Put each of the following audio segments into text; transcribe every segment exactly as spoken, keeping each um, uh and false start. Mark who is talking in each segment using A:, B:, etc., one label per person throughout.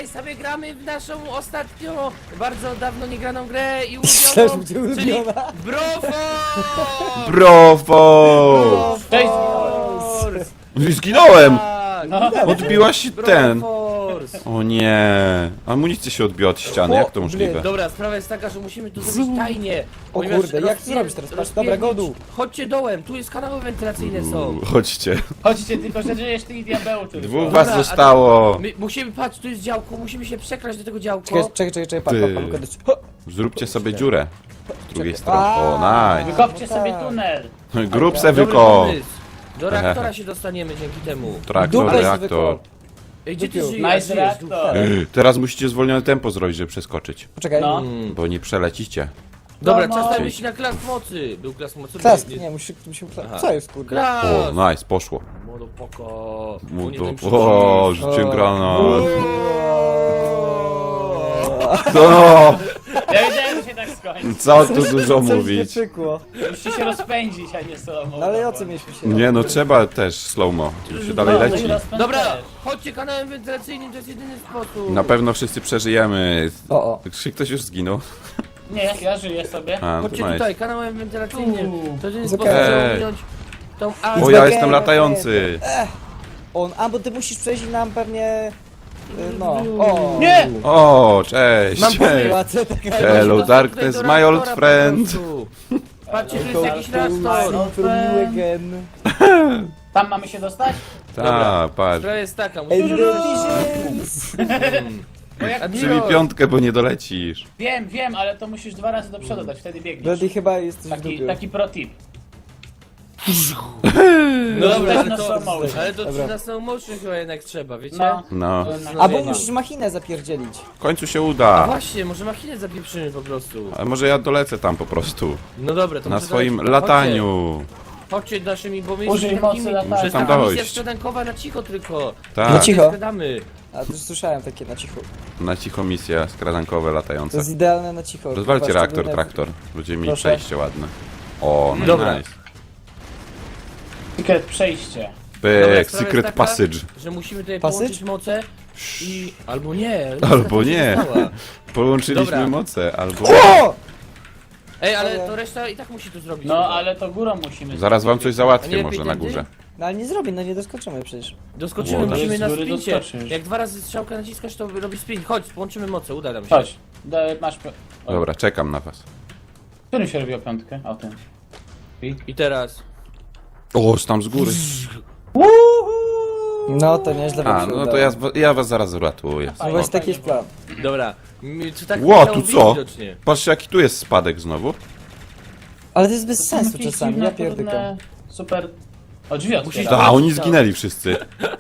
A: sobie gramy w naszą ostatnio, bardzo dawno nie graną grę i
B: Też
A: ulubioną,
B: będzie
A: czyli
B: ulubiona.
A: Broforce!
C: Brofo!
D: Cześć!
A: Broforce!
C: Zginąłem!
A: Tak,
D: No.
C: Odbiła się ten.
A: Broforce!
C: O nie. Amunicja się odbiła od ściany, jak to możliwe?
A: Dobra, sprawa jest taka, że musimy to zrobić tajnie.
B: O
A: ponieważ
B: kurde, jak to
A: rozpie-
B: zrobić teraz? Patrz,
A: rozpierdzić-
B: dobra, go dół.
A: Chodźcie dołem, tu jest kanały wentylacyjne są.
C: Chodźcie.
D: Chodźcie, tylko że żyjesz ty i diabeł tylko.
C: Dwóch
A: Dobra,
C: was
A: a-
C: zostało.
A: My musimy, patrz, tu jest działko, musimy się przekraść do tego działko.
B: Czekaj, czekaj, czekaj, czekaj,
C: Ty.
B: patrz, patrz, patrz, patrz.
C: Zróbcie sobie dziurę. Z drugiej
B: Czekaj.
C: strony. O,
B: A.
C: nice.
D: Wykopcie
B: No
D: sobie
B: tak.
D: tunel.
C: Grób se
A: Dobry
C: wyko.
A: pomysł. Do reaktora się dostaniemy dzięki temu.
C: Traktor,
B: Dupę se
C: reaktor.
B: wykop.
A: Ej, gdzie ty
B: Dupiu.
A: żyjesz?
D: Nice reaktor.
C: Teraz musicie zwolnione tempo zrobić, żeby przeskoczyć.
B: Poczekaj.
D: No.
A: Mm.
C: Bo nie przelecicie.
A: Dobra,
D: No,
A: czas
D: no.
A: na myśli na klas mocy. Był klas mocy?
B: Klask,
A: Nie-
B: nie, musi, musi,
A: Aha.
B: co jest kurde?
A: Klas!
C: O, nice, poszło.
A: Młodopoko.
C: Mu
A: Nie
C: to...
A: wiem, czy-
C: O, rzuciłem granat.
B: O,
C: No,
D: Ja wiedziałem, że się tak skończy.
C: co tu dużo
B: Coś nie
C: mówić.
B: pykło.
D: Musicie się rozpędzić, a nie solo.
B: No ale o co mieliśmy się?
C: Nie no, trzeba też slow-mo, żeby się dalej
D: No,
C: leci.
D: i rozpęd
A: Dobra,
D: też.
A: chodźcie kanałem wentylacyjnym, to jest jedyny sposób.
C: Na pewno wszyscy przeżyjemy.
B: O, o.
C: Czy ktoś już zginął?
D: Nie, ja żyję sobie.
C: A, no
A: Chodźcie
C: to nice.
A: tutaj, kanałem wentylacyjnym.
D: Uuu.
A: To jedyny
B: Jest
A: sposób,
B: okej.
A: żeby ominąć tą
C: O,
A: alfę.
C: ja
B: okej,
C: jestem
B: okej.
C: latający.
B: On, a bo ty musisz przejść i nam pewnie... y, No, o.
D: Nie!
C: O, cześć.
A: Mam pomysł.
B: Łatwe taka...
C: Hello,
A: Tutaj
C: darkness,
A: do
C: my old
A: reaktora po
C: friend.
A: prostu. Patrzcie, tu jest
D: Hello,
A: jakiś
D: darkness,
A: reaktor.
D: my old
B: From you again.
D: Tam mamy się dostać?
C: Ta, patrz.
A: Sprawa jest taka,
B: And
A: musimy...
B: the visions.
D: Bo jak...
C: Przybij piątkę, bo nie dolecisz.
D: Wiem, wiem, ale to musisz dwa razy do przodu dać, wtedy biegniesz.
B: Bloody chyba jesteś w
D: Taki,
B: dupie.
D: taki pro tip.
A: No dobra, ale
D: na
A: to,
D: slow motion.
A: ale to
B: Dobra.
A: na slow motion chyba jednak trzeba, wiecie?
D: No.
C: No,
B: Albo musisz machinę zapierdzielić.
C: w końcu się
A: A
C: uda.
A: właśnie, może machinę zapieprzymy po prostu.
C: Ale może ja dolecę tam po prostu.
A: No dobra, to
C: Na
A: może
C: swoim
A: dajcie-
C: lataniu.
A: Chodźcie, chodźcie naszymi, bo my
D: Użyj
A: jesteśmy
D: mocy
A: takimi...
D: latania.
A: To
C: Muszę tam
A: jest taka misja
C: dojść.
A: skradankowa na cicho tylko.
C: Tak,
B: Na cicho.
A: Skradamy.
B: A to już słyszałem takie na cicho.
C: na cicho misja skradankowe
B: To
C: latające.
B: jest idealne na cicho.
C: Rozwalcie
B: Chyba
C: reaktor,
B: szczególne-
C: traktor. Będziemy mieli
B: Proszę.
C: przejście ładne. O, no
A: Dobra.
C: nice.
D: Secret przejście.
A: Dobra,
C: Pyk,
A: sprawa
C: secret
A: jest taka,
C: passage.
A: Że musimy tutaj
B: Passage?
A: połączyć moce i... Albo nie.
C: Albo
A: niestety
C: nie.
A: została.
C: Połączyliśmy
A: Dobra.
C: moce, albo...
B: O!
A: Ej, ale to reszta i tak musi to zrobić.
D: No, ale to górą musimy.
C: Zaraz wam coś
A: A nie
C: załatwię
A: lepiej
C: może na
A: tędy?
C: górze.
B: No ale nie zrobię, no nie doskoczymy przecież.
A: Doskoczymy,
C: Łoda.
A: musimy na
D: Z góry
A: sprincie.
D: doskoczysz.
A: Jak dwa razy strzałkę naciskasz, to robi sprint. Chodź, połączymy moce, uda nam się.
D: Chodź. Da, masz... pe- o,
C: Dobra, czekam na was.
D: Którym się robi o piątkę? O tym.
A: I teraz...
C: O, tam z góry.
B: No to nieźle wam
C: A,
B: się
C: no to
B: udało.
C: ja, ja was zaraz uratuję.
B: No właśnie taki jest plan.
A: Dobra. Mi- Czy tak
C: Ło,
A: musiało
C: tu
A: być
C: co?
A: widocznie.
C: Patrzcie jaki tu jest spadek znowu.
B: Ale to jest bez sensu
D: Jakieś
B: czasami,
D: dziwne,
B: ja pierdykam.
D: trudne, Super... O, drzwi
A: Musisz-
D: otwieram.
C: A, oni zginęli wszyscy.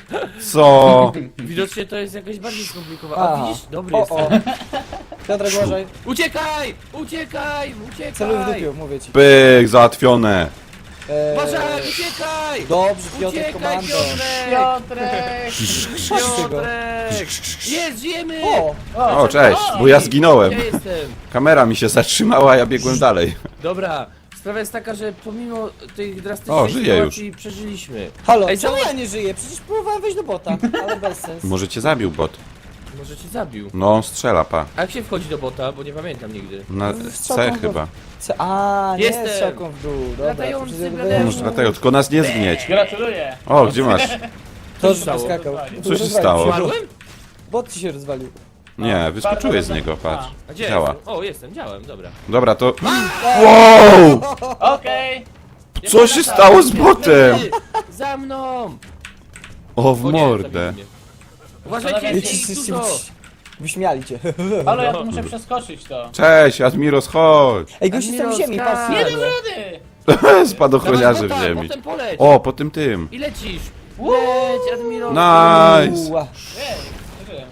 C: Co?
A: Widocznie to jest jakoś bardziej skomplikowane. A
B: Aha.
A: widzisz? Dobry
B: O,
A: jest.
B: o. Piotrek, uważaj.
A: Uciekaj! Uciekaj!
B: Celuj w
A: Uciekaj!
B: dupiu, mówię ci.
C: Pyk, załatwione.
B: Eee,
A: Uważaj! Uciekaj!
B: Dobrze, Piotrek,
A: Uciekaj,
B: komando.
A: Piotrek!
D: Piotrek!
A: Piotrek! Jest, żyjemy!
B: O!
C: O, cześć, bo ja zginąłem.
A: Ja jestem.
C: Kamera mi się zatrzymała, a ja biegłem dalej.
A: Dobra, sprawa jest taka, że pomimo tych drastycznych
C: O, żyję
A: sytuacji przeżyliśmy.
B: Halo,
A: Ej,
B: czemu
A: zobacz-
B: ja nie żyję? Przecież próbowałem wejść do bota, ale bez sensu.
C: Może cię zabił bot.
A: Może cię zabił.
C: No, on strzela, pa.
A: A jak się wchodzi do bota, bo nie pamiętam nigdy.
C: Na
B: Strzałką
C: C
B: w-
C: chyba.
B: Co? A, nie
A: Jestem.
B: strzałką w dół. Dobra,
A: Latający
B: to przecież
A: bladeusz.
B: ja
C: Może dlatego, tylko nas nie zgnieć.
D: Gratuluję!
C: O, gdzie masz?
B: To
A: się stało?
B: skakał.
C: Co się stało?
A: Umarłem?
B: Bot ci się rozwalił.
C: Nie, wyskoczyłeś z niego, patrz.
A: A gdzie
C: Działa.
A: jestem? O, jestem, działem, dobra.
C: Dobra, to... Wow!
D: Okej!
C: Co się stało z botem?
A: Ty, za mną!
C: O, w
A: O nie,
C: mordę.
A: zabili mnie. Uważajcie,
D: Wiecie,
A: jest ich dużo!
B: Wyśmiali cię.
D: Halo, ja tu muszę przeskoczyć to.
C: Cześć, Admiros, chodź!
B: Ej, gości są w
A: Admiral
B: ziemi,
A: Sky.
B: patrzcie.
D: Nie
B: nagle.
D: dam rady!
C: Spadochroniarze w
A: Dawaj,
C: ziemi.
A: Potem poleć!
C: O, po tym tym.
A: I lecisz! Leć, Admiral!
C: Nice!
B: Uła.
D: Ej, nie wiem.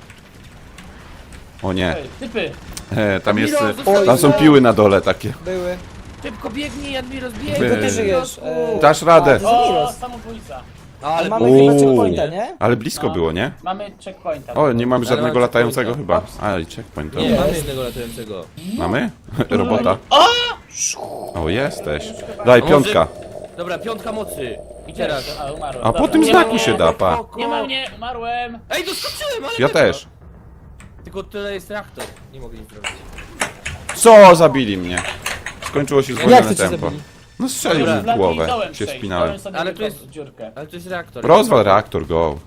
C: O nie,
D: Ej, typy!
C: e, tam jest...
A: Admiral,
C: e,
A: zostań
C: Tam są
A: za-
C: piły na dole takie.
B: Były.
A: Szybko biegnij, Admiral,
C: Ty.
A: biegnij!
B: Tylko ty żyjesz. E,
C: Dasz radę.
B: A, to jest
D: O,
B: Admiros.
D: samobójca!
A: Ale
B: Mamy
C: Uuu.
B: chyba checkpointa, nie?
C: Ale blisko
D: No.
C: było, nie?
D: Mamy checkpointa.
C: O, nie mamy
A: Ale
C: żadnego
A: mam
C: latającego chyba.
A: checkpointa.
C: A, i checkpoint.
A: Nie,
C: dobra.
A: mamy jednego latającego.
C: Mamy? Robota.
D: O!
C: O, jesteś. Daj,
A: może-
C: piątka.
A: Dobra, piątka mocy. I teraz.
D: A, umarłem.
C: A po
D: Dobra.
C: tym
D: Nie ma
C: znaku
D: mnie.
C: się da, pa.
D: Nie ma mnie, umarłem!
A: Ej, doskoczyłem, ale
C: Ja
A: dobra.
C: też.
A: Tylko tyle jest reaktor. Nie mogę nic zrobić.
C: Co? Zabili mnie. Skończyło się
B: Jak
C: zwolnione
B: to cię
C: tempo.
B: zabili?
C: No strzelił
D: Dobra,
C: mi w
D: Blady,
C: głowę.
D: dołem
C: Się
D: przejść,
C: wspinałem.
D: dołem sobie
A: Ale
D: Ale
A: to jest-
D: dziurkę.
A: Ale to jest reaktor.
C: Rozwal reaktor, go.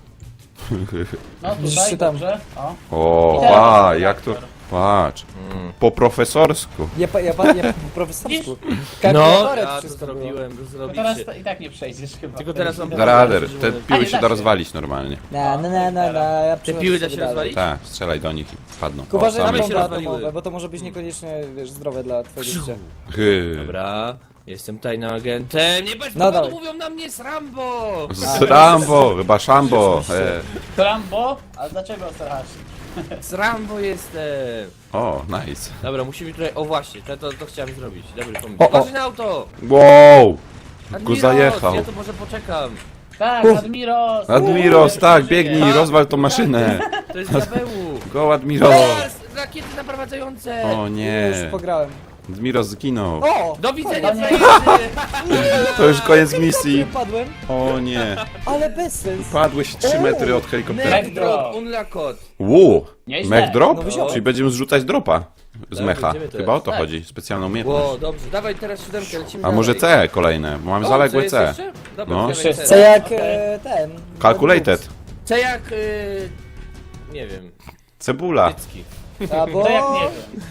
D: No
B: Widzisz
D: tutaj,
B: się tam.
D: dobrze. O.
C: O,
D: I teraz
C: pa,
D: reaktor.
C: jak to... Patrz. Po profesorsku.
B: Ja, pa, ja, pa, ja po profesorsku.
A: No,
B: Kalkulatorek
A: ja to
B: wszystko było.
A: zrobiłem, to
D: No
A: zrobicie.
D: teraz to i tak nie przejdziesz chyba.
A: Tylko teraz mam-
C: Da radę. Te
D: A,
C: piły
D: nie
C: się
D: da
C: da
D: się.
C: rozwalić normalnie.
B: Na, na, na, na, na. Ja
A: Te
B: przychodzę
A: piły da
B: sobie
A: się
B: dalej.
A: rozwalić?
C: Tak, strzelaj do nich i padną.
B: Tylko uważaj na
A: same się
B: bomby
A: rozwaliły.
B: atomowe, bo to może być niekoniecznie, wiesz, zdrowe dla twojego życia.
C: Hy.
A: Dobra, jestem tajnym agentem. Nie bez
B: No
A: powodu
B: dawaj.
A: mówią na mnie z Rambo!
C: Z Rambo, chyba Szambo. E.
D: Rambo? A dlaczego strasz?
A: Z Rambo jestem.
C: O, nice.
A: Dobra, musimy tutaj. O właśnie, to, to, to chciałem zrobić. Dobry pomysł.
B: O, o.
A: Uważaj na auto!
C: Wow!
A: Admiros,
C: zajechał.
A: Ja to może poczekam.
D: Tak,
B: Uf.
D: Admiros!
C: Admiros,
D: Uuu,
C: tak,
D: przeżyje.
C: biegnij, rozwal tą maszynę.
A: To jest diabełu.
C: Go, Admiros.
A: Teraz! Rakiety naprowadzające!
C: O
B: Już
C: nie.
B: pograłem.
C: Admiros zginął.
B: O!
A: Do widzenia,
D: O nie.
A: frajerzy!
C: To już koniec misji.
B: Padłem,
C: O nie.
B: ale bez sens.
C: Padłeś trzy metry od helikoptera.
A: Neck drop, unlock.
C: Wu!
D: Nieźle.
C: Mech drop?
B: No wziąłem.
C: Czyli będziemy zrzucać dropa z
A: Tak,
C: mecha.
A: będziemy teraz.
C: Chyba o to
D: Tak.
C: chodzi. Specjalną umiejętność.
A: Ło, dobrze, dawaj teraz siódemkę, lecimy
C: A może
A: dalej.
C: C kolejne, bo mam
A: O,
C: zaległe
A: jest
C: C.
A: jeszcze? Dobra,
C: No.
A: wziąłem
D: Jeszcze
A: C.
B: Co jak
D: Okej.
B: e, ten...
C: Calculated.
A: C jak... Y... Nie wiem,
C: Cebula.
A: cycki.
B: Albo...
D: To jak nie wiem.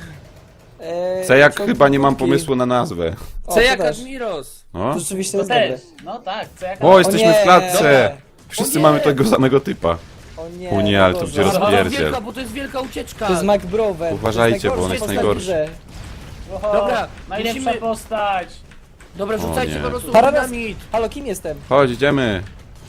B: E,
C: C jak
B: ciągnij
C: chyba nie mam
B: krótki.
C: pomysłu na nazwę.
B: O,
A: C
B: to
A: jak
B: też.
A: Admiros.
C: O,
B: To rzeczywiście
D: To
B: jest dobre.
D: też. No tak, co jak
C: o jesteśmy
B: nie,
C: w klatce.
B: dobra.
C: Wszyscy
A: O nie.
C: mamy tego samego typa.
B: O nie,
C: O nie,
B: no
C: ale to
B: Boże.
C: będzie
A: Dobra,
C: rozpierdziel.
A: wielka, bo to jest wielka ucieczka.
B: To jest McBroven.
C: Uważajcie, bo on jest
B: postać
C: najgorszy.
B: w grze.
D: Oho,
A: Dobra,
D: najlepsza
A: musimy-
D: postać.
A: Dobra,
C: O
A: rzucajcie
C: nie.
A: po prostu
B: Paradoks.
A: dynamit.
B: Halo, kim jestem?
C: Chodź, idziemy.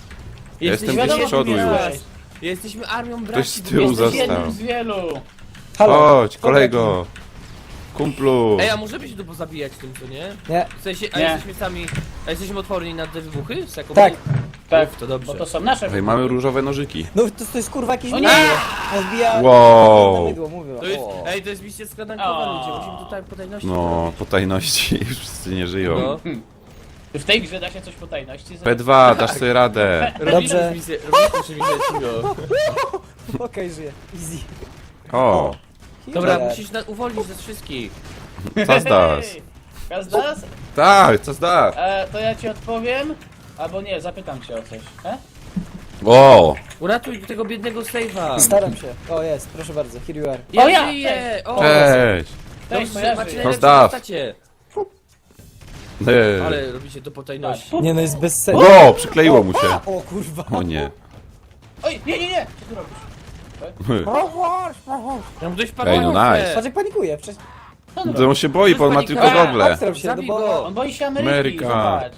C: Ja jestem
A: Jesteśmy-
C: gdzieś z przodu
A: wiadomo,
C: już.
A: kim jesteś. Jesteśmy armią braci.
C: Ktoś z tyłu
D: Jesteś
C: został.
D: jednym z wielu.
B: Halo.
C: Chodź, kolego. Kumplu.
A: Ej, a możemy się tu pozabijać tym, co nie?
B: Nie,
A: W sensie, a
D: Nie.
A: jesteśmy sami... A jesteśmy odporni na te wybuchy? Z taką-
B: tak.
D: Tak,
A: Uf, to dobrze.
D: bo to są nasze
C: Ej, mamy różowe nożyki.
B: No to, to jest kurwa jakieś
D: O nie!
B: mydło. On wbija...
C: Wow.
B: na mydło, mówię.
A: To jest,
B: O.
A: ej, to jest misja skradankowa,
D: O.
A: ludzie. Musimy tutaj po tajności
C: No, po tajności już wszyscy nie żyją.
A: No.
D: W tej grze da się coś po tajności
C: P
D: zrobić.
C: dwa, dasz sobie radę.
A: Robiliśmy
B: Dobrze.
A: misję, robiliśmy misję cicho.
B: Okej, żyję. Easy.
C: O,
A: Dobra,
B: Killer.
A: musisz na, uwolnić nas wszystkich.
C: co zdasz?
D: Gazdas?
C: Tak, co zdasz?
D: E, to ja ci odpowiem. Albo nie, zapytam cię o coś. E?
C: O,
A: Uratuj tego biednego Save'a.
B: Staram się. O, jest, proszę bardzo. Here you are.
A: Ja
D: O, ja!
A: żyję! O,
C: cześć.
D: Cześć,
A: dobrze, macie
D: kojarzy.
A: najlepsze
C: Pozdraw.
A: postacie.
C: Ej.
A: Ale robicie to po tajności.
B: Nie no, jest bez sensu.
C: O, przykleiło mu się.
B: O kurwa.
C: O nie.
D: Oj, nie, nie, nie! Co ty robisz?
A: Ja mam dość
C: Ej, no nice.
B: Patrz jak panikuje. Przecież...
D: Co on robi?
C: To on się boi, bo on ma tylko
D: A,
C: gogle.
B: Obstrał się, no
A: Zabij
B: bo...
A: go.
D: On boi się Ameryki,
C: Ameryka.
D: zobacz.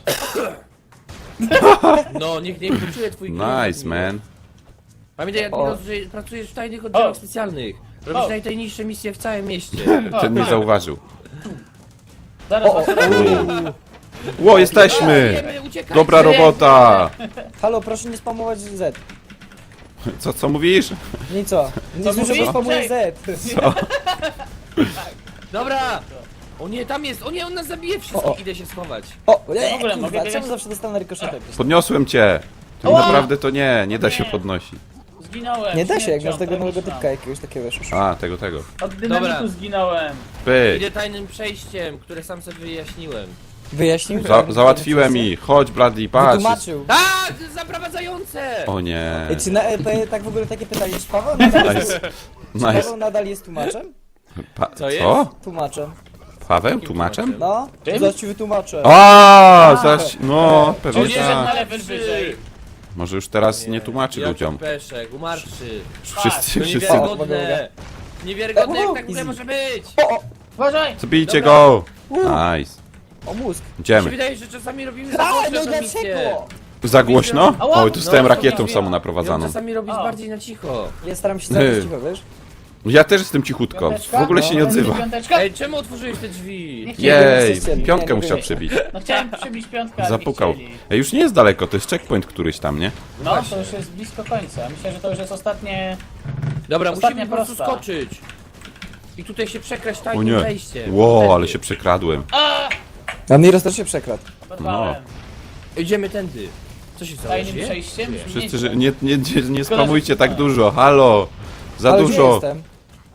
A: No, niech nie wyczuje twój gniew.
C: Nice, man.
A: Pamiętaj, jak
B: O.
A: Miros, że pracujesz w tajnych oddziałach
D: O.
A: specjalnych. Robisz
D: O.
A: najtajniejsze misje w całym mieście.
C: Ten nie zauważył.
D: Zaraz
B: O, o,
D: was
B: o.
D: ratuję.
C: Ło, jesteśmy!
A: Wiemy, uciekajcie.
C: Dobra robota!
B: Halo, proszę nie spamować Z.
C: Co, co mówisz?
B: No i co? Nie
D: Co
B: słyszę,
D: mówisz?
B: że spamuje
D: Cześć.
B: Z.
C: Co?
A: Dobra! O nie, tam jest! O nie, on nas zabije wszystkich!
B: O, o.
A: Idę się schować.
B: O,
D: w
B: nie,
D: ogóle mogę
B: kurwa,
D: biegać?
B: czemu zawsze dostanę rykoszetem?
C: Podniosłem cię. Tak
D: Ała!
C: naprawdę to nie, nie da się
D: Nie.
C: podnosić.
D: Zginąłem.
B: Nie da się, jak
D: śmiercią
B: masz tego nowego
D: tragiczną.
B: typka jakiegoś takiego wiesz.
C: A, tego, tego.
D: Od dynamitu
A: Dobra.
D: zginąłem.
C: Pyk.
A: Idę tajnym przejściem, które sam sobie wyjaśniłem.
B: Wyjaśnił?
C: Za, załatwiłem ich. Chodź, Bradley, patrz.
B: Wytłumaczył.
A: Tak! Zaprowadzające!
C: O nie.
B: Ej, czy na E P tak w ogóle takie pytanie, czy Paweł nadal,
C: Nice.
B: czy
C: Nice.
B: Paweł nadal jest tłumaczem?
C: Pa
A: Co jest?
C: co?
B: Tłumaczem.
C: Paweł? Tłumaczem?
B: No,
D: Czym?
B: zaraz ci wytłumaczę.
C: A, zaś, no, pewnie
D: Poniedziesz na
C: tak.
D: level wyżej.
C: Może już teraz nie tłumaczy
A: Jaki
C: ludziom.
A: peszek, umarszy.
C: Wszyscy,
A: To
C: wszyscy.
A: niewiarygodne. Niewiarygodne, jak
B: O,
A: tak w ogóle
B: easy.
A: może być.
D: Uważaj!
C: Zabijcie
D: Dobra.
C: go! Nice.
B: O mózg.
A: Mi się
C: Idziemy.
A: wydaje, że czasami robimy za
B: A,
A: głośno
B: no
A: tę misję.
B: dlaczego?
C: Za głośno?
D: Ała,
C: Oj, tu stałem
D: no,
C: rakietą
D: to nie
C: samą
D: wiem.
A: Ja
C: naprowadzaną.
A: czasami robić
D: O.
A: bardziej na cicho.
B: Ja staram się
C: Ty.
B: zaraz cicho, wiesz?
C: Ja też jestem cichutko.
D: Piąteczka?
C: W ogóle się nie
D: No,
C: odzywa.
D: Piąteczka?
A: Ej, czemu otworzyłeś te drzwi?
D: Nie chciałem.
C: Jej,
B: jesteście, nie,
C: piątkę
B: nie
C: musiał
B: wiem.
C: przybić.
D: No chciałem przybić piątkę, ale
C: Zapukał.
D: nie chcieli.
C: Ej, już nie jest daleko, to jest checkpoint któryś tam, nie?
D: No, to już jest blisko końca. Myślę, że to już jest ostatnie...
A: Dobra,
D: Ostatnia
A: musimy po prostu
D: prosta.
A: skoczyć. I tutaj się przekraść
C: O
A: tajnym
C: nie.
A: wejściem.
C: Wow,
A: Tędy.
C: ale się przekradłem.
D: A!
B: A Miros też się przekradł.
D: Oberwałem.
C: No.
A: Idziemy tędy. Co się stało?
D: Tajnym
A: Żyje?
D: przejściem?
C: Wszyscy,
D: Nie,
C: że nie, nie, nie, nie spamujcie tak dużo, halo! Za
B: Ale gdzie
C: dużo!
B: jestem?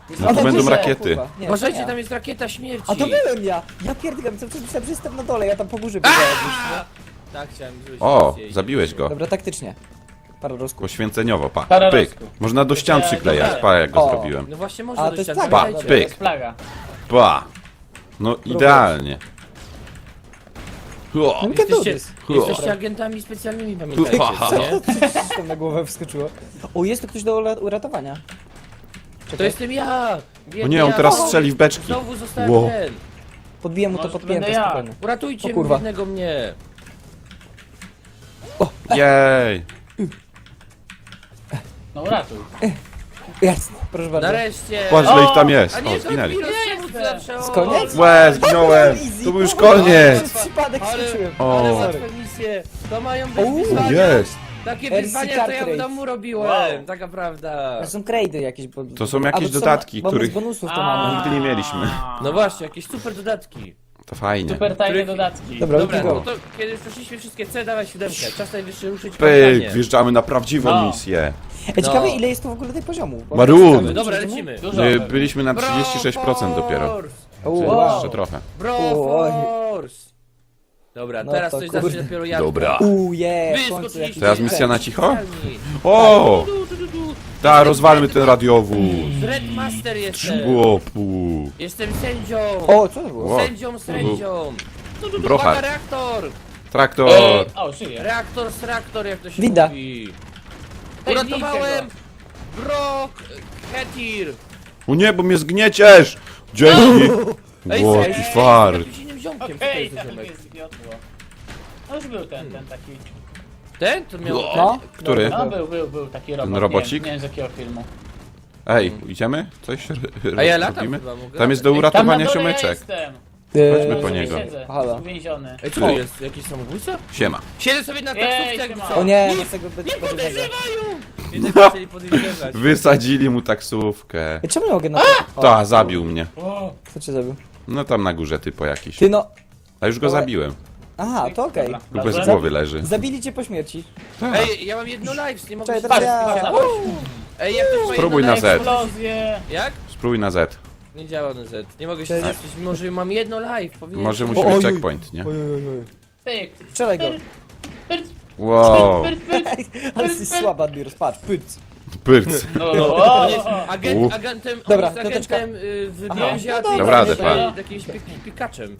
C: No to będą
D: Kurwa.
C: rakiety.
B: Kurwa, nie,
A: Uważajcie,
B: to
A: tam
B: ja.
A: jest rakieta śmierci.
B: A to byłem ja! Ja pierdolę, co myślałem, że jestem na dole, ja tam po górze biegałem już.
A: Tak, chciałem zrobić.
C: O,
A: misję i-
C: zabiłeś go.
B: Dobra, taktycznie. Parę rozków.
C: Poświęceniowo, pa.
D: Para
C: Pyk.
D: rozków.
C: Można do ścian
D: Dobra.
C: przyklejać, pa jak go
B: O.
C: zrobiłem.
A: No właśnie
B: A,
A: można
B: to
A: do
B: jest
A: ścian,
B: plaga.
A: pamiętajcie.
D: To
C: Pyk.
D: jest plaga.
C: Pa. No idealnie. Ho.
B: No, can do
A: Jesteście,
B: this.
A: jesteście agentami specjalnymi, pamiętajcie,
C: Ha.
A: co nie?
B: Co tam na głowę wskoczyło? O, jest tu ktoś do ura- uratowania.
A: To jestem ja!
C: O
A: Biedny
C: nie, on
A: ja.
C: teraz
A: O,
C: strzeli w beczki.
A: Znowu zostałem
C: Wow.
A: ten.
B: Podbiję mu to
D: Może
B: podpięte,
D: będę ja.
B: spokojnie.
A: Uratujcie
B: O kurwa.
A: jednego mnie.
C: Jej.
B: No,
D: No uratuj.
B: Jest, proszę bardzo.
A: Nareszcie!
C: Patrz, ile ich tam jest.
A: A
C: O,
A: nie, to
C: zginęli.
A: Admiros, czemu ty zawsze...
B: Z koniec?
C: Łe, zginąłem. To był już koniec.
B: Przez przypadek
A: Ale,
B: skoczyłem.
C: O.
A: ale
B: Sorry.
A: łatwe misje. To mają być
B: O,
A: wyzwania.
C: Jest.
A: Takie
B: R C
A: wyzwania,
B: card
A: to ja w
B: rate.
A: domu robiłem.
D: Wow.
A: Taka prawda.
B: To są krejdy jakieś. Bo...
C: To są jakieś
B: A, bo to
C: dodatki,
B: bo
C: których-
B: z bonusów to
D: A.
B: mamy.
C: Nigdy nie mieliśmy.
A: No właśnie, jakieś super dodatki.
C: To fajnie.
D: Super tajne
A: Których-
D: dodatki.
B: Dobra,
A: Dobra,
B: let's go.
A: no to kiedy już przeszliśmy wszystkie C, dawaj siódemkę. Czas najwyższy ruszyć
C: Pyk,
A: kampanię.
C: wjeżdżamy na prawdziwą
D: No.
C: misję.
B: Ej, ciekawe
A: No.
B: ile jest tu w ogóle tej poziomu. Bo-
C: Maroon.
A: Dobra, lecimy.
D: Dużo.
C: My byliśmy na trzydzieści sześć procent dopiero.
A: Force!
B: O,
C: Czyli
B: wow.
C: jeszcze trochę.
A: Bro
B: Oj.
A: Force! Dobra,
B: No
A: teraz
B: to
A: coś
B: kurde.
A: zacznie dopiero jak.
C: Dobra.
B: Uuu, je,
A: Wy
B: w końcu
A: skoczyliście.
B: jakiś
C: Teraz misja na cicho?
A: specjalni.
C: O!
A: Du, du, du, du.
C: Ta, rozwalmy ten radiowóz.
A: Red Master jestem.
C: Łopu.
A: Jestem sędzią.
B: O, co to było?
C: O.
A: Sędzią, sędzią.
C: Brochar.
A: Uwaga, reaktor.
C: Traktor.
D: Ej, o, żyje.
A: Reaktor z reaktor, jak to się
B: Wida.
A: mówi.
D: Ej,
A: Uratowałem Brock Hetir.
C: O nie, bo mnie zgnieciesz. Dzięki.
A: Ej,
C: What
A: ej,
C: the
A: ej,
C: fart.
A: jakimś innym ziomkiem. Co to
D: Okej,
A: jest za
D: tam
A: ziomek?
D: mnie zgniotło. No już był ten, ten taki.
A: Ten? To miał...
B: No,
C: Który?
D: No był, był, był taki robot.
C: robocik?
D: Nie, wiem- nie wiem z jakiego filmu.
C: Ej, idziemy? Coś r-
A: A ja latam
C: robimy?
A: chyba, mogę
C: Tam jest do
A: latać.
D: Tam na
C: uratowania
D: dole ja
C: siomeczek.
D: jestem.
C: Chodźmy
B: Eee,
C: po
D: Sobie
C: niego.
D: Siedzę,
B: Halo.
D: jest uwięziony.
A: Ej, co to jest? Jakiś samobójca?
C: Siema.
A: Siedzę sobie na
D: Ej,
A: taksówce, jakby
D: siema.
A: co?
B: O nie,
A: Nie,
B: no tego będzie
A: nie
B: podejrzane.
A: podejrzewają! Więc zaczęli podejrzewać.
C: Wysadzili mu taksówkę.
B: Ej, czemu nie mogę na to?
C: Ta, zabił mnie.
D: O,
B: Co cię zabił?
C: No tam na górze typo jakiś.
B: Ty no...
C: A już go zabiłem.
B: Aha, to okej.
D: dobra.
C: Lub bez
D: Dobrze.
C: głowy leży.
B: Zabili cię po śmierci.
A: Ej, ja mam jedno live, nie mogę
B: Czekaj,
A: się...
B: teraz ja...
D: Patrz,
B: Uuu.
A: Ej, jak ktoś ma
C: Spróbuj
A: jedno
C: na
A: live-
C: Z.
D: eksplozję.
A: Jak?
C: Spróbuj na Z.
A: Nie działa na Z. Nie mogę się
B: Cześć.
A: zapisać, mimo że mam jedno live. Powinien...
C: Może
B: O,
C: musi
B: oj,
C: być
B: oj.
C: checkpoint, nie?
B: Oj, oj, oj.
D: Tyk.
B: Strzelaj go.
D: Pyrt,
C: Wow.
D: pyrt, pyrt.
B: Ale jesteś słaba, Admiros, patrz, pyc.
C: Pyrc.
D: No,
A: On
D: o,
A: jest
D: o.
A: agent,
C: Uf.
A: agentem,
B: Dobra,
A: on jest
B: piąteczka.
A: agentem y, w
B: Aha.
A: brązie, a ty
B: No
C: dobra,
A: jesteś
C: Radę,
A: y,
C: pan.
A: jakimś pik- pikaczem.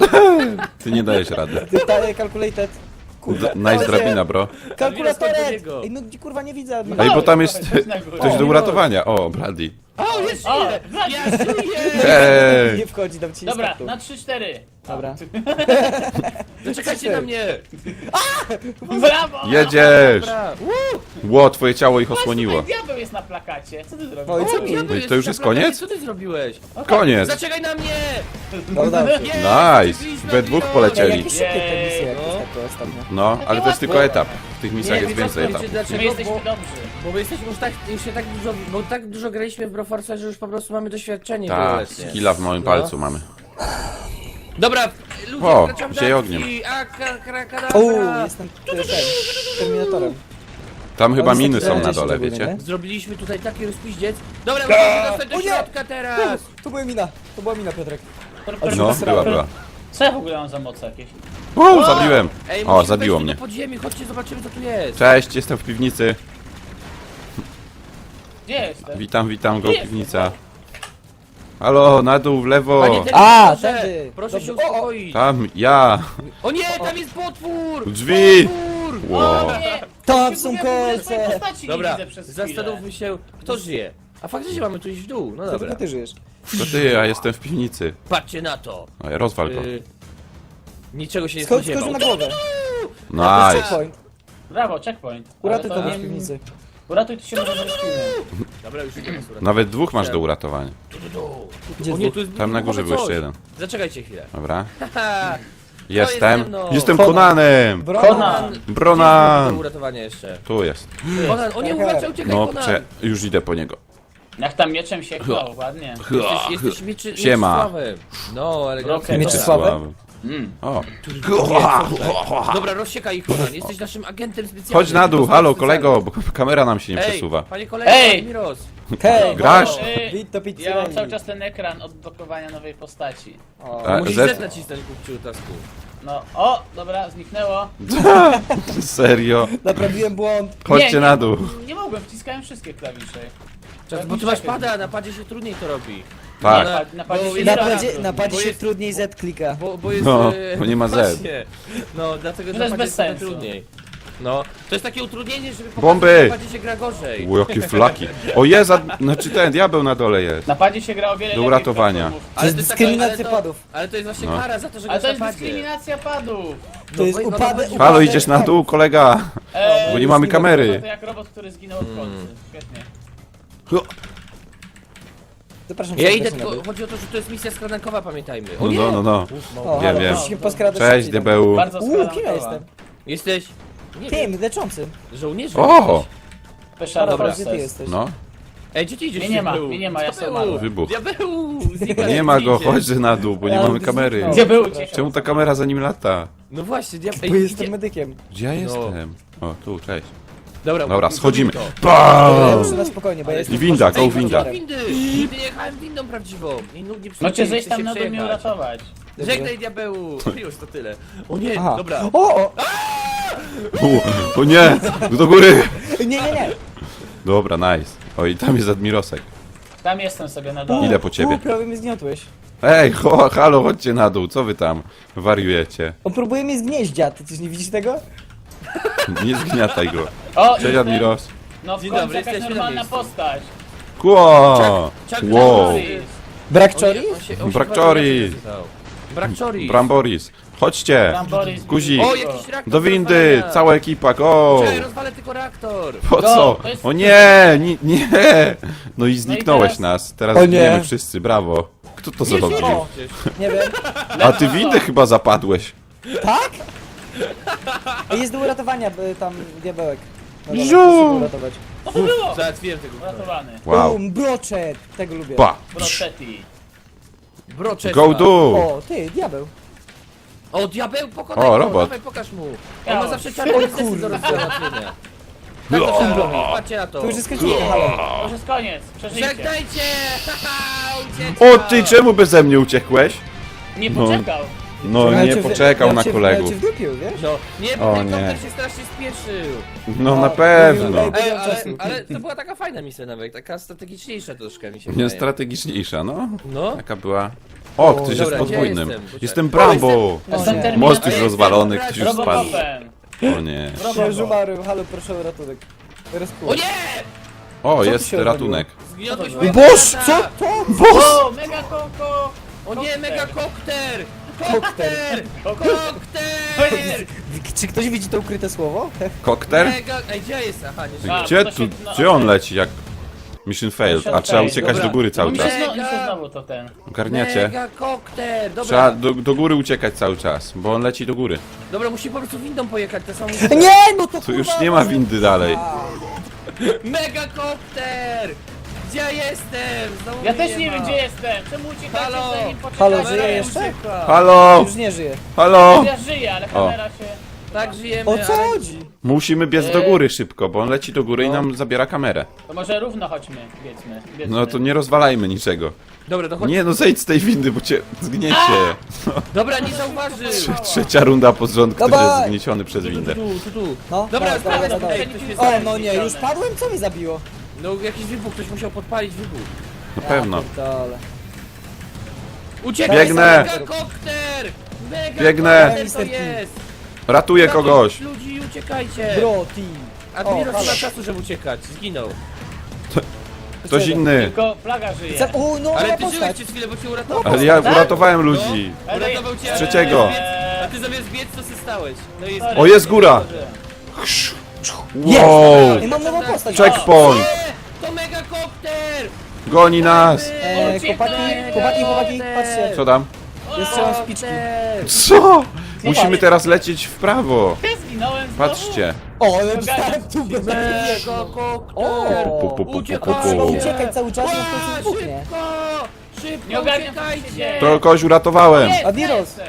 C: Ty nie dajesz rady.
B: Ty, ta, calculated. Kurwa.
C: D- Nice
B: O,
C: drabina, bro.
B: Kalkulatorek!
A: niego.
B: Ej, no gdzie kurwa nie widzę Admiros.
C: Ej, bo tam jest
D: Chodź na górę.
C: coś do uratowania. O, Brady.
A: O, jest
D: O,
A: żyje! Ja żyję!
C: Ej!
B: Nie wchodzi, dam ci
D: Dobra,
B: startu.
D: na trzy cztery.
B: Dobra.
A: Zaczekajcie na mnie!
D: Brawo!
C: Jedziesz!
A: Dobra.
C: Ło, twoje ciało ich
D: Patrz,
C: osłoniło.
D: tutaj diabeł jest na plakacie. Co ty zrobisz?
B: Oj, co
A: O,
B: mi?
A: diabeł
C: To już jest
A: na plakacie,
C: koniec?
A: Co ty zrobiłeś?
C: Koniec.
A: Zaczekaj na mnie!
B: No dobra.
A: Nie,
C: Nice.
A: zaczęliśmy,
C: We dwóch
A: Admiros.
B: Ej,
C: polecieli.
B: jakie szybkie te
D: Jej,
B: misje, jak
A: no.
B: to tak ostatnio.
C: No, ale to jest tylko etap. W tych misjach
A: Nie,
C: jest
A: wiecie,
C: więcej
A: wiecie
C: etapów.
D: My
A: dlaczego?
D: jesteśmy
A: Bo,
D: dobrzy.
A: bo my jesteśmy już tak, już się tak dużo, bo tak dużo graliśmy w Broforce, że już po prostu mamy doświadczenie
C: Tak,
A: wieloletnie.
C: skilla w moim
A: No.
C: palcu mamy.
A: Dobra, ludzie,
C: O,
A: wkraczam do
C: zieje
A: akcji.
C: ogniem.
A: A, ka, kra,
B: O,
A: kadabra.
B: jestem ten, Terminatorem.
C: Tam chyba
B: jest
C: miny
B: taki
C: są na
B: czterdzieści
C: dole,
B: ogólnie,
C: wiecie?
B: nie?
A: Zrobiliśmy tutaj taki rozpiździec. Dobra, musimy dostać do
B: O nie!
A: środka teraz.
B: To była mina, to była mina, Piotrek.
C: No, była, była.
D: Co ja w ogóle mam za moc jakieś?
C: O, zabiłem.
A: Ej,
C: O,
A: musimy
C: zabiło
A: wejść
C: mnie.
A: do podziemi, chodźcie, zobaczymy co tu jest.
C: Cześć, jestem w piwnicy.
D: Gdzie jestem?
C: Witam, witam go, piwnica. Halo, na dół, w lewo.
A: Panie ten
B: A,
A: proszę,
B: tędy.
A: proszę się
B: Dobrze. O, o.
A: uspokoić.
C: Tam, ja.
A: O nie, tam jest potwór!
C: Drzwi.
A: Potwór!
C: Wow.
D: O nie!
B: Tam
D: Ja
B: są
D: w ogóle swojej
B: kolce!
D: postaci nie
A: Dobra,
D: widzę przez chwilę.
A: zastanówmy się, kto żyje. A faktycznie mamy tu iść w dół, no
B: To
A: dobra.
B: tylko ty żyjesz.
C: To ty, ja jestem w piwnicy.
A: Patrzcie na to.
C: Oj, rozwal go.
A: Y, niczego się nie
B: Skocz,
A: spodziewał.
B: skocz na głowę.
C: Nice.
B: Checkpoint.
D: Brawo, checkpoint.
B: Uratuj
D: Ale to-
B: kogoś w piwnicy.
D: Uratuj, to się może zresztimy.
A: Dobra, już idziemy. Surat.
C: Nawet dwóch masz do uratowania.
B: Gdzie
A: O nie, tu jest
C: Tam na górze był
A: coś.
C: jeszcze jeden.
A: Zaczekajcie chwilę.
C: Dobra.
A: Haha,
C: Jestem.
A: ze mną.
C: Jestem
B: Conan.
C: Konanem.
B: Brona!
A: do
C: Bronan.
A: uratowania jeszcze.
C: Tu jest.
A: Konan, o nie, uważaj, uciekaj,
C: No,
A: Konan.
C: prze... już idę po niego.
D: Jak tam mieczem się chnął, ładnie.
A: Jesteś, jesteś mieczy,
C: Siema.
A: Mieczysławem. No, elegancko.
D: Okej,
B: Mieczysławem?
D: Mm.
C: O.
A: Dobra, rozsiekaj ich, Konan. Jesteś naszym agentem specjalnym.
C: Chodź na dół,
A: Tylko
C: halo
A: specjalnym.
C: kolego, bo kamera nam się nie
A: Ej,
C: przesuwa.
A: panie kolego,
D: Ej!
A: Admiros.
B: Hej,
C: Grasz?
D: Ej,
B: Wito Pizzerelli.
D: Ja mam cały czas ten ekran odblokowania nowej postaci.
B: O,
C: A,
A: Musisz
C: Z?
A: Z nacisnąć, kupciu, tasku.
D: No, o, dobra, zniknęło.
C: Serio?
B: Naprawiłem błąd.
C: Chodźcie
D: nie,
C: na dół.
D: Nie mogłem, wciskałem wszystkie klawisze.
A: Czas, bo ty masz pada, na padzie się trudniej to robi.
C: Tak.
A: Na,
D: Na padzie
A: bo
D: się
A: jest-
B: Na
D: nie da.
B: padzie, na padzie
A: Bo
B: się
A: jest-
B: trudniej Z klika.
A: Bo, bo jest...
C: No,
A: e,
C: bo nie ma Z.
A: właśnie. No, dlatego,
D: To
A: że
D: jest
A: na padzie
D: bez
A: jest trochę
D: sensu.
A: trudniej. No, to jest takie utrudnienie, żeby pokazać,
C: Bomby!
A: że na padzie się gra gorzej.
C: U, jakie flaki. O, jest, a- znaczy ten diabeł na dole jest.
D: Na padzie się gra o wiele
C: Do
D: lepiej
C: uratowania.
D: w platformów.
B: To jest
A: taka-
B: dyskryminacja
A: ale to-
B: padów.
A: Ale to jest właśnie
C: No.
A: kara za to, że
D: Ale
A: grasz
D: to jest
A: na padzie.
D: dyskryminacja padów.
B: To jest
A: bo- no,
B: upadek.
A: no,
B: upadek-
C: Halo, idziesz na dół, kolega?
D: Eee,
C: Bo nie mamy
D: No
C: kamery.
D: to jak robot, który zginął od kolcy. Świetnie.
B: Zapraszam
A: Ja
B: serdecznie
A: idę,
B: na
A: tylko
B: dół.
A: chodzi o to, że to jest misja skradankowa, pamiętajmy. O
C: No,
A: nie!
C: no, no, no.
A: Uf,
B: O,
A: mało.
C: Wiem,
B: halo,
C: wiem.
B: proszę się poskradać
C: Cześć,
B: szybciej.
C: diabeł.
D: Bardzo
B: Uuu, kim ja
D: skradana
B: jestem?
A: Jesteś... Nie wiem,
B: Tym, leczącym.
A: żołnierzem
C: O!
A: jesteś.
D: Special
B: Dobra,
D: Forces.
B: gdzie ty jesteś?
C: No,
A: Ej, gdzie ty idziesz?
D: Mnie nie ma,
A: diabeł?
D: mnie nie ma, ja
A: Diabeł!
D: sam umarłem.
C: Wybuch.
A: Diabeł! Znika,
C: nie ma go,
A: idzie.
C: chodź na dół, bo nie
B: Ale
C: mamy
B: to
C: kamery.
B: zniknął.
D: Gdzie był? Uciekł.
C: Czemu ta kamera za nim lata?
A: No właśnie, diabeł.
B: Bo
A: Ej,
B: jestem
A: idzie...
B: medykiem.
C: Gdzie ja
A: No.
C: jestem? O, tu, cześć.
A: Dobra,
C: Dobra,
A: zrobimy
C: schodzimy.
A: to.
B: Dobra, ja
C: Bam!
B: muszę na spokojnie, bo ja jestem...
C: I winda, go
A: Ej,
C: winda.
A: chodź do windy! Nigdy nie jechałem windą prawdziwą. I nigdy nie
D: No cię
A: chcę
D: zejść tam
A: się
D: na dół mnie
A: przejechać.
D: uratować.
A: Żegnaj, diabeł! Już to tyle. O nie,
B: Aha.
A: dobra.
B: O, o!
C: U, o nie, do góry.
B: Nie, nie, nie.
C: Dobra, nice. Oj, tam jest Admirosek.
D: Tam jestem sobie na dole.
C: Idę po
B: U,
C: ciebie.
B: prawie mnie zgniotłeś.
C: Ej, ho, halo, chodźcie na dół, co wy tam wariujecie?
B: On próbuje mnie zgnieść, dziad. Ty coś nie widzisz tego?
C: Nie zgniataj go.
D: O,
C: Cześć
D: jestem.
C: Admiros.
D: No w
A: Dzień
D: końcu
A: dobry,
D: jakaś
A: jesteśmy na
D: normalna
A: miejscu.
D: postać.
C: Kło!
A: Chuck
C: Wow.
A: Norris.
B: Brak
A: On
B: czori?
A: się- on się- on się
C: Brak
A: bardzo
C: czori.
A: inaczej nazywał. Brak czori.
C: Bramboris. Chodźcie.
D: Tam Boris.
C: Guzik.
A: O, jakiś reaktor
C: Do windy,
A: rozwalania.
C: cała ekipa, go!
A: Czekaj, rozwalę tylko reaktor.
C: Po
D: Go,
C: co?
D: to jest-
C: O nie, nie, nie! No i zniknąłeś
D: teraz-
C: nas, teraz
B: O nie.
C: zginiemy wszyscy, brawo. Kto to zrobił?
B: O, nie wiem.
C: A ty windę chyba zapadłeś.
B: Tak? Ej, jest do uratowania y, tam diabełek. No dobra,
C: Ziu!
B: proszę go uratować.
D: Co to było?
A: Załatwiłem tego.
D: Uratowany.
C: Wow.
B: Bum, broczet! Tego lubię.
C: Pa!
D: Brochetti.
A: Broczek.
C: Go do!
B: O, ty, diabeł.
A: O, diabeł, pokonaj
C: O,
A: go,
C: robot.
A: dawaj, pokaż mu. On
D: Ja.
A: ma zawsze czarne
B: O
A: biznesy
B: kurde.
A: do rozwiązania. Tak to trzeba robić, patrzcie na to.
B: To już jest skończone, halo.
D: To już jest koniec. Przeżyjcie.
A: Żegnajcie! Haha, ucieczka!
C: O ty, czemu beze mnie uciekłeś?
D: Nie
C: No.
D: poczekał.
C: No
B: Miał
C: nie
B: cię w-
C: poczekał
B: miał
C: na
B: cię w-
C: kolegów.
B: Miał cię w dupiu, wiesz?
A: No, nie, bo
C: O
A: ten
C: nie.
A: komputer się strasznie spieszył.
C: No na
B: No,
C: pewno.
B: mówił,
A: Ej,
B: Miał
A: ale,
B: czasu.
A: ale to była taka fajna misja nawet, taka strategiczniejsza troszkę mi się
C: Nie
A: wydaje.
C: strategiczniejsza, no.
A: No.
C: Taka była. O, ktoś jest
A: Dobra, gdzie
C: podwójnym.
A: jestem? Poczekaj.
C: Jestem Brambo.
B: No
D: Jestem
B: nie.
D: Terminator.
C: Most już
A: A ja
C: rozwalony,
A: jestem
C: ktoś już spadł.
D: Robocopem.
C: O nie.
B: Ja już umarłem, halo, proszę o ratunek. Rozkuł.
A: O nie!
C: O,
B: Co tu
C: jest
B: się
C: ratunek.
A: Zgniotłeś
D: Co to
A: mojego
B: Boż,
A: brata!
B: co to? Boż!
D: O, mega koko.
A: O nie, mega kokter!
B: Kokter.
A: Kokter! Kokter!
B: Czy ktoś widzi to ukryte słowo?
C: Kokter?
A: Mega... Ej, gdzie jest? Aha, nie
D: A,
C: Gdzie
D: to
C: tu,
D: się- no,
C: gdzie on
D: okej.
C: leci jak... Mission failed, a
D: Mission
C: trzeba
D: failed.
C: uciekać
A: Dobra.
C: do góry cały
D: Mi
C: czas.
D: się, znowu, mi się
A: Mega.
D: znowu to ten.
C: Ogarniacie?
A: Mega kokter! Dobra,
C: Trzeba do, do góry uciekać cały czas, bo on leci do góry.
A: dobra, musi po prostu windą pojechać, to samo.
B: Nie, no to
C: Tu już
B: kurwa,
C: nie ma windy dalej.
A: Mega kokter! Gdzie ja jestem? Znowu
D: Ja
A: mnie
D: też nie
A: ma.
D: wiem gdzie jestem. Czemu uciekacie
A: Halo.
D: zanim poczekacie?
B: Halo,
A: Kamera
B: żyje
A: już
B: jeszcze?
A: uciekła.
C: Halo!
B: Już nie żyje.
C: Halo!
D: Ja żyję, ale kamera się...
A: Tak żyjemy,
B: O co
A: ale...
B: chodzi?
C: Musimy biec do góry szybko, bo on leci do góry i nam zabiera kamerę.
D: To może równo chodźmy, wiedzmy. wiedzmy.
C: No to nie rozwalajmy niczego.
A: Dobra, to chodź.
C: Nie no, zejdź z tej windy, bo cię zgniecie.
A: Dobra, nie zauważył!
C: Trzecia runda pod rząd, ktoś
B: Dawaj!
C: jest zgnieciony przez
A: Tu, tu,
C: windę.
A: tu, tu, tu.
B: No,
A: Dobra,
B: dawaj,
A: dawaj,
B: dawaj,
A: dawaj,
B: dawaj.
A: ktoś mnie
B: O,
A: zabił.
B: no nie, już padłem? Co mnie zabiło?
A: No jakiś wybuch, ktoś musiał podpalić wybuch.
C: Na pewno.
B: Dole.
A: Uciekaj,
C: Biegnę.
A: mega kokter! Mega
C: Biegnę.
A: kokter to jest!
C: Ratuję kogoś.
A: Ludzi, uciekajcie!
B: Bro, team.
A: Admiros
B: O,
A: nie ma
B: halo.
A: czasu, żeby uciekać, zginął.
C: Ktoś inny.
D: Tylko plaga żyje.
B: Za- O, no,
A: Ale
B: moja
A: ty żyłeś
B: postać.
A: przez chwilę, bo cię uratował.
C: Ale ja
D: Tak?
C: uratowałem ludzi.
D: Ale-
A: Uratował cię,
C: Z trzeciego.
A: a ty zamiast biec- A ty zamiast biec, to się stałeś. No i jest...
C: O, jest góra.
B: Jest!
C: Wow.
B: I mam nową postać.
C: Checkpoint.
A: Nie! To mega kokter!
C: Goni nas.
B: E, chłopaki, chłopaki, chłopaki, patrzcie.
C: Co tam?
B: Ja strzelam z piczki.
C: Co? Musimy teraz lecieć w prawo.
D: Ja zginąłem znowu.
C: Patrzcie.
B: O, ale dostałem tu
A: Mega
B: O,
A: kokter!
C: Pu, pu, pu, pu,
A: Uciekaj!
C: pu,
B: trzeba
C: pu.
B: uciekać cały czas, no w
A: Ła,
B: końcu wybuchnie.
A: Szybko! Szybko
D: Nie ogarniam, co się
A: uciekajcie!
D: dzieje.
C: To kogoś uratowałem.
D: Jest,
B: Admiros.
D: jestem.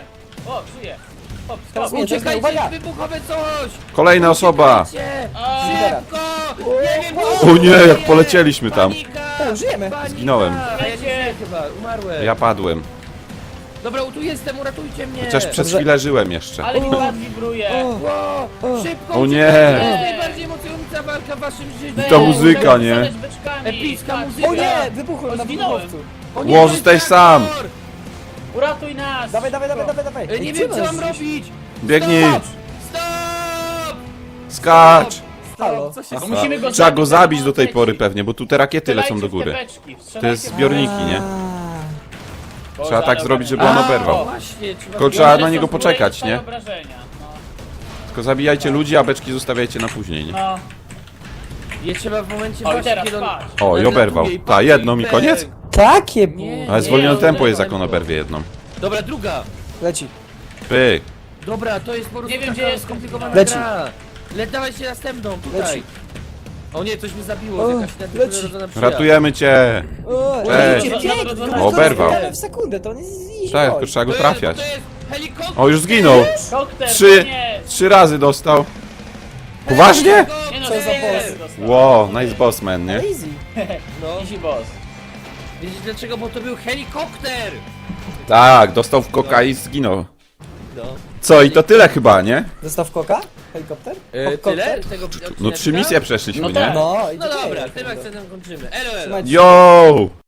D: O, żyje. Hop,
B: Teraz
D: stop.
B: mnie, teraz mnie, uwaga!
A: Uciekajcie, wybuchowe coś!
C: Kolejna osoba!
A: Uciekajcie!
D: A.
A: Szybko! Nie wiem,
C: O nie, jak polecieliśmy tam.
A: Panika!
B: O, żyjemy.
A: Panika!
C: Zginąłem.
A: A ja nie żyję chyba, umarłem.
C: Ja padłem.
A: Dobra, tu jestem, uratujcie mnie!
C: Chociaż przez
B: Dobrze.
C: chwilę żyłem jeszcze.
D: Ale mi ład wibruje.
B: O.
A: Ło,
B: O.
A: szybko!
C: O nie.
A: uciekajcie, To jest najbardziej emocjonująca walka w waszym życiu!
C: I ta muzyka, nie?
D: Rzucać beczkami.
A: Epicka
D: Tak.
A: muzyka.
B: O nie! Wybuchłem
D: O,
B: na
D: zginąłem.
B: wybuchowcu.
A: O
C: Ło,
A: to
C: zostajesz
A: jest
C: sam.
A: traktor!
D: Uratuj nas!
B: Dawaj, dawaj, dawaj, dawaj, dawaj.
A: E,
B: Ej,
A: Nie
B: gdzie
A: wiem, co
B: nas
A: mam
B: gdzieś?
A: robić!
C: Biegnij!
A: Stop! Stop!
C: Skacz!
B: Halo.
A: Co się
D: Bo
A: stało?
D: musimy go
C: Trzeba go
D: zabić,
C: zabić
D: żeby
C: do tej
D: on
C: pory
D: leci.
C: pewnie, bo tu te rakiety lecą
D: Strzelajcie
C: do
D: w
C: góry.
D: te beczki,
C: To
D: strzelajcie
C: jest
D: w-
C: zbiorniki, nie?
B: A.
D: Boże,
C: Trzeba tak
D: ale
C: zrobić, żeby
D: obrażenia.
C: on
A: A,
C: oberwał.
A: właśnie, trzeba...
C: Tylko trzeba
D: One
C: na
D: są
C: niego
D: w górę i
C: poczekać,
D: dostają
C: nie?
D: obrażenia. No.
C: Tylko zabijajcie ludzi, a beczki zostawiajcie na później, nie?
D: No.
A: Je trzeba w momencie
D: O, i
A: właśnie,
D: teraz
A: kiedy on...
D: patrz.
C: O, i oberwał.
A: nadlatuje
C: Ta, jedną i
A: pęk.
C: koniec?
B: Takie było.
A: Nie.
C: Ale zwolnione
A: Nie,
C: tempo jest,
A: oberwał
C: jak on
A: go.
C: oberwie jedną.
A: Dobra, druga.
B: Leci.
C: Pyk.
A: Dobra, to jest po prostu
D: Nie wiem,
A: taka
D: gdzie jest.
A: skomplikowana
B: Leci.
A: gra. Le, dawaj się następną, tutaj.
B: Leci.
A: O nie, coś mi zabiło,
B: O,
A: jakaś
B: leci.
A: nadprzyrodzona przyjaźń.
C: Ratujemy cię!
B: O,
C: Cześć.
B: idzie, idzie,
D: No,
B: tylko
C: oberwał.
B: zbieramy w sekundę, to on jest easy
C: Tak,
B: boy.
C: tylko trzeba go
A: To jest-
C: trafiać.
A: To jest helikopter!
C: O, już zginął!
D: Kokter,
C: Trzy,
D: nie!
C: trzy razy dostał. Poważnie?
D: Nie no,
B: Co za
D: cztery
B: boss?
D: dostał.
C: Wow, nice boss man, nie?
B: Easy.
A: No,
D: Easy boss.
A: wiecie dlaczego? Bo to był helikopter!
C: Tak, dostał w koka i zginął.
A: No.
C: Co, i to tyle chyba, nie?
B: Dostaw koka? Helikopter?
A: E,
B: Kokter?
A: tyle? Tego
C: No trzy misje przeszliśmy,
D: No
C: nie?
D: tak.
B: No, i
A: No
B: to
A: dobra,
B: jest.
A: tym akcentem kończymy. Elo, elo.
B: Trzymajcie się.
C: Yo!